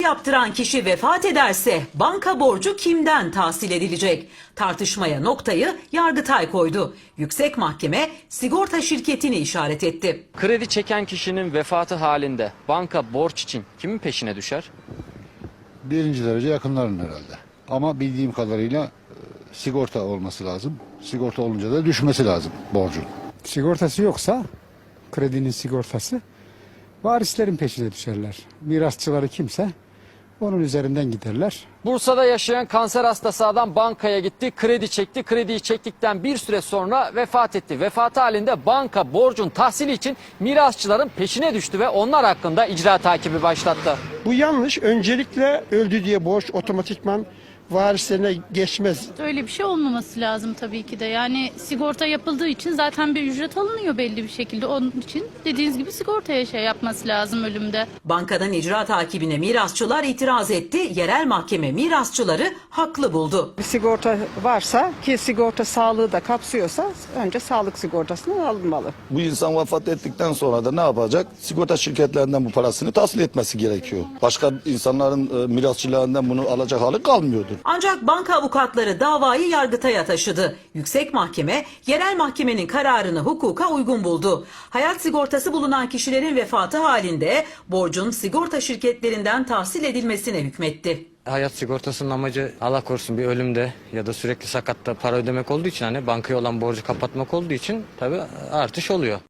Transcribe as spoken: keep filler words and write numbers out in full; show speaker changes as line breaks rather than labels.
yaptıran kişi vefat ederse banka borcu kimden tahsil edilecek? Tartışmaya noktayı Yargıtay koydu. Yüksek Mahkeme sigorta şirketini işaret etti.
Kredi çeken kişinin vefatı halinde banka borç için kimin peşine düşer?
Birinci derece yakınların herhalde. Ama bildiğim kadarıyla e, sigorta olması lazım. Sigorta olunca da düşmesi lazım borcun.
Sigortası yoksa, kredinin sigortası, varislerin peşine düşerler. Mirasçıları kimse onun üzerinden giderler.
Bursa'da yaşayan kanser hastası adam bankaya gitti, kredi çekti. Krediyi çektikten bir süre sonra vefat etti. Vefatı halinde banka borcun tahsili için mirasçıların peşine düştü ve onlar hakkında icra takibi başlattı.
Bu yanlış. Öncelikle öldü diye borç otomatikman varislerine geçmez.
Öyle bir şey olmaması lazım tabii ki de. Yani sigorta yapıldığı için zaten bir ücret alınıyor belli bir şekilde. Onun için dediğiniz gibi sigortaya şey yapması lazım ölümde.
Bankadan icra takibine mirasçılar itiraz etti. Yerel mahkeme mirasçıları haklı buldu.
Bir sigorta varsa, ki sigorta sağlığı da kapsıyorsa, önce sağlık sigortasından alınmalı.
Bu insan vefat ettikten sonra da ne yapacak? Sigorta şirketlerinden bu parasını tahsil etmesi gerekiyor. Başka insanların e, mirasçılarından bunu alacak hali kalmıyordur.
Ancak banka avukatları davayı Yargıtay'a taşıdı. Yüksek Mahkeme yerel mahkemenin kararını hukuka uygun buldu. Hayat sigortası bulunan kişilerin vefatı halinde borcun sigorta şirketlerinden tahsil edilmesine hükmetti.
Hayat sigortasının amacı Allah korusun bir ölümde ya da sürekli sakatta para ödemek olduğu için, hani bankaya olan borcu kapatmak olduğu için tabii artış oluyor.